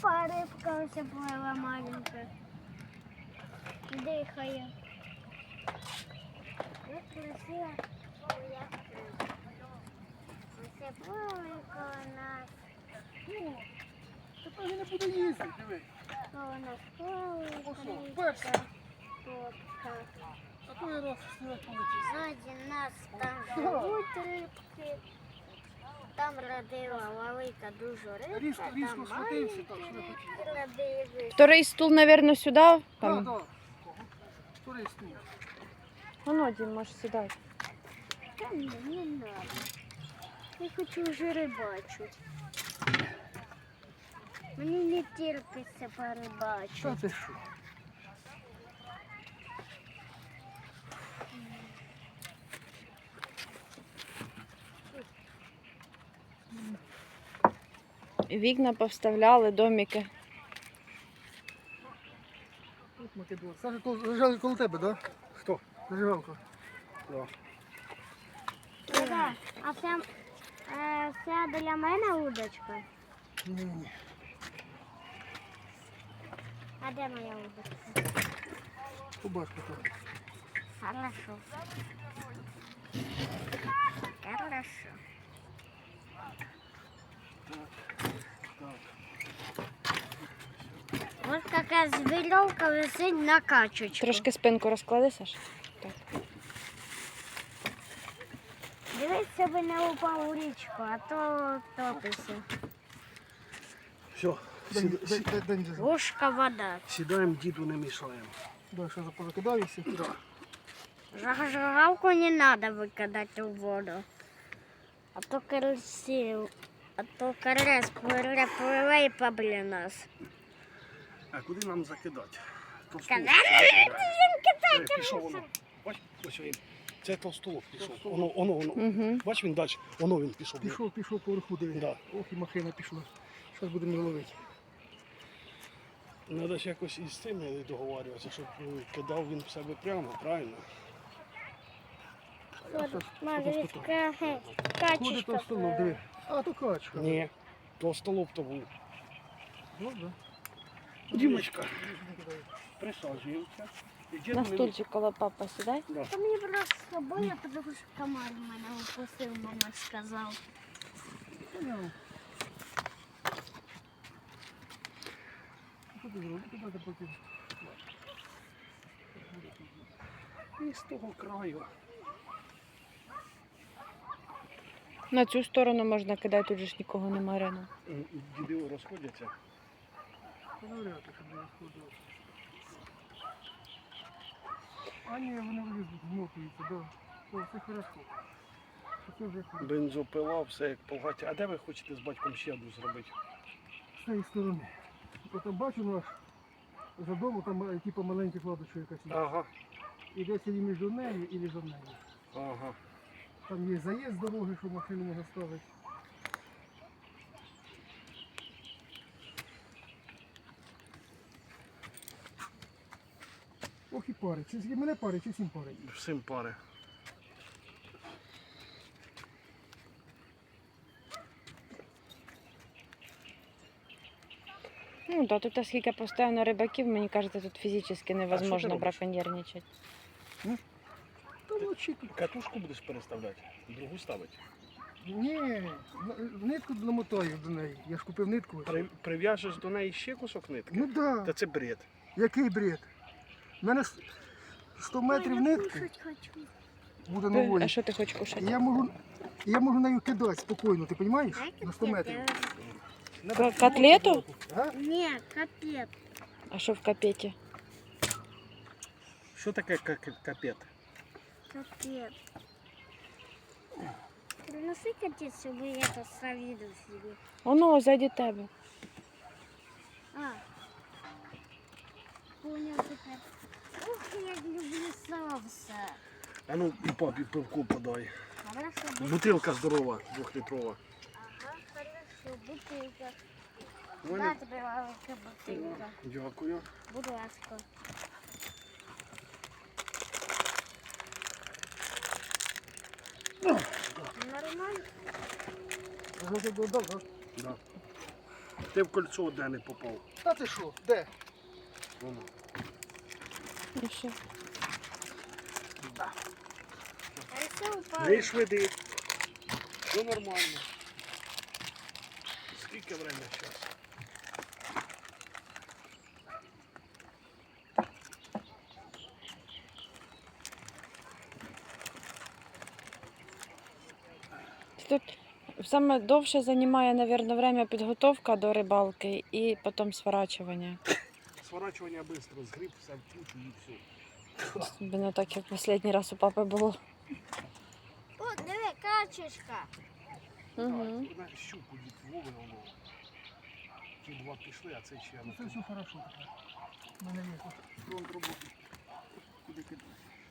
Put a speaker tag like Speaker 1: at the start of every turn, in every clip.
Speaker 1: Опа, рибка ось плила маленька. Дихає. Ось красиво. Ось плавика у нас.
Speaker 2: Тепер я не буду їздити, диви.
Speaker 1: У нас плавика,
Speaker 2: Ось, перший.
Speaker 1: топка.
Speaker 2: А то я раз стрілять полетів.
Speaker 1: Ззаді нас там живуть рибки. Там родила велика дуже рибка,
Speaker 2: Різко
Speaker 1: там
Speaker 2: схватився, так, що не
Speaker 1: маленькі
Speaker 2: хотів.
Speaker 1: родили.
Speaker 3: Второй стул, наверное, сюда.
Speaker 2: Так,
Speaker 3: Там.
Speaker 2: так. Вторий стул.
Speaker 3: Ну, Дім, можеш сідати.
Speaker 1: Та ні, не надо. Я хочу вже рибачити. Мені не терпиться порибачити.
Speaker 2: Що ти що?
Speaker 3: Вікна повставляли, домики.
Speaker 2: От Македон. Саша, то зажали коло тебе, так? Да? Хто? Зажигалка. Да.
Speaker 1: Да. А це для мене удочка?
Speaker 2: Ні.
Speaker 1: А де моя удочка?
Speaker 2: Побач потім.
Speaker 1: Хорошо. Хорошо. Ось така веревка висить на качечку.
Speaker 3: Трошки спинку розклади, Саш.
Speaker 1: Дивись, щоб не упав у річку, а то топиться.
Speaker 2: Все,
Speaker 1: Ложка вода.
Speaker 2: сідаємо, діду не мішаємо. Да, що позакидався? Да.
Speaker 1: Зажигалку не надо викидати у воду. А то карась пливе і поб'є нас.
Speaker 2: А куди нам закидати?
Speaker 1: Казали,
Speaker 2: Пішов воно. Бач, ось він. Це толстолоб пішов. Воно.
Speaker 3: Угу.
Speaker 2: Бач, він далі. Воно він пішов. Пішов поверху, диви. Да. Ох, і махина пішла. Зараз будемо ловити. Треба ж якось із цим договорюватися, щоб кидав він в себе прямо, правильно? Ходить толстолоб, диви. А, то качка. Ні, толстолоб то був. Добре. Дімочка, присаджуємося.
Speaker 3: На стульчик коло папа сідай.
Speaker 2: Да.
Speaker 1: Та мені просто боя, тому що комар мене укусив, мама сказав.
Speaker 2: Понял. Що ти зробив? Куди ти потім? І з того краю.
Speaker 3: На цю сторону можна кидати, тут же ж нікого немає рано.
Speaker 2: Діди розходяться. Вряд ли, щоб не розходилося. А ні, вони вилізуть, змотуються, так. Да. О, все хорошо. Це вже хорошо. Бензопила, все як погаті. А де ви хочете з батьком ще одну зробити? З цієї сторони. От там бачу наш за дому, там типу маленька кладочка якась є. Ага. І десь і між нею, і за нею. Ага. Там є заїзд з дороги, що машину можна ставити. Ох і пари. Чи мене пари, чи всім пари? Всім пари.
Speaker 3: Ну так, тут скільки постійно рибаків, мені кажеться, тут фізично невозможно
Speaker 2: робиш?
Speaker 3: браконьєрничати.
Speaker 2: Та вночі тут катушку будеш переставляти, другу ставити. Ні, нитку намотаю до неї. Я ж купив нитку.
Speaker 4: Прив'яжеш до неї ще кусок нитки?
Speaker 2: Ну так. Да.
Speaker 4: Та це бред.
Speaker 2: Який бред? У мене 100 метрів нитки буде
Speaker 3: А
Speaker 2: нової.
Speaker 3: що ти хочеш кушати?
Speaker 2: Я можу нею кидати спокійно, ти розумієш? На 100 метрів.
Speaker 3: Котлету?
Speaker 2: А?
Speaker 1: Ні, капець.
Speaker 3: А що в капеті?
Speaker 4: Що таке капет?
Speaker 1: Капець. Приноси капець, щоб я це завідав собі.
Speaker 3: Воно ззаді тебе.
Speaker 1: А. Понял тепер. Ух, як люблю соуса.
Speaker 4: А ну і папі пивку подай.
Speaker 1: Хорошо,
Speaker 4: Бутилка здорова, 2-літрова.
Speaker 1: ага, хорошо, бутилка.
Speaker 4: Ваня?
Speaker 1: На тебе велика бутилка.
Speaker 4: Дякую.
Speaker 1: Будь ласка. Нормально?
Speaker 2: Ага,
Speaker 4: Да. Ти в кольцо де не попав.
Speaker 2: Та ти що? Де?
Speaker 4: Воно.
Speaker 3: І що?
Speaker 1: А все упало.
Speaker 4: Не швиди. Все нормально. Скільки время зараз?
Speaker 3: Тут саме довше займає, мабуть, время підготовка до рибалки і потім сворачування.
Speaker 4: Сворачування швидко, згріб, все в кучу і все.
Speaker 3: Особливо так, як останній раз у папи було.
Speaker 1: О, диви, качечка.
Speaker 3: Угу.
Speaker 4: Так, на щуку дід Вови воно. Ті два пішли, а це ще
Speaker 2: Ну це все хорошо. У мене є тут фронт роботи. Куди кидати?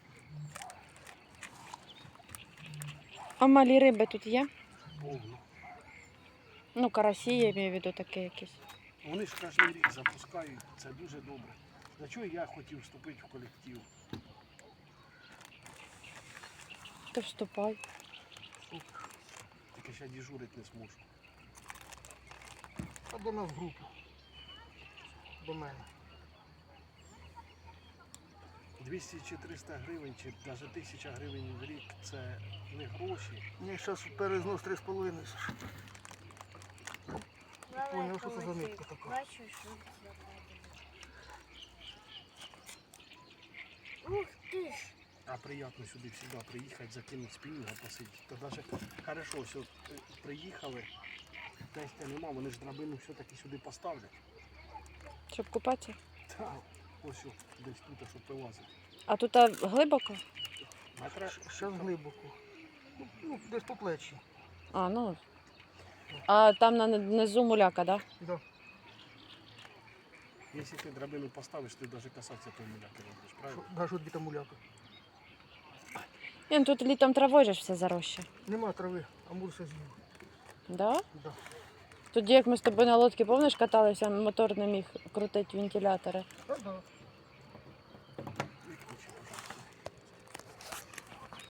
Speaker 3: А малі риби тут є?
Speaker 4: повно.
Speaker 3: Ну, карасі, я маю в виду таке якісь.
Speaker 4: Вони ж кожен рік запускають, це дуже добре. За чого я хотів вступити в колектив?
Speaker 3: То вступай.
Speaker 4: Тільки ще дежурити не зможу.
Speaker 2: А до нас в групу. До мене.
Speaker 4: 200 чи 300 гривень, чи навіть 1000 гривень в рік це не гроші.
Speaker 2: Мені зараз перезнос 3,5. Поняв, що це за
Speaker 1: Велика
Speaker 2: нитка така.
Speaker 1: Бачу, що це таке. Ух ти ж.
Speaker 4: А приємно сюди завжди приїхати, закинути спінінга, посидіти. То навіть хорошо, все, приїхали, тестя нема, вони ж драбину все-таки сюди поставлять.
Speaker 3: Щоб купатися.
Speaker 4: Так, ось що, десь тут, щоб вилазити.
Speaker 3: А тут глибоко?
Speaker 4: Метра
Speaker 2: Зараз глибоко. Ну, десь по плечі.
Speaker 3: А, ну. А там на низу муляка, так? Да?
Speaker 2: Да.
Speaker 4: Якщо ти драбину поставиш, ти навіть касатися той муляки не будеш, правильно?
Speaker 2: Да, що тобі там муляка?
Speaker 3: Ні, ну тут літом травою же ж все заросше.
Speaker 2: Нема трави, амур все з'їв.
Speaker 3: Да?
Speaker 2: Да.
Speaker 3: Тоді, як ми з тобою на лодці, пам'ятаєш, каталися, мотор не міг крутити вентилятори.
Speaker 2: А, да.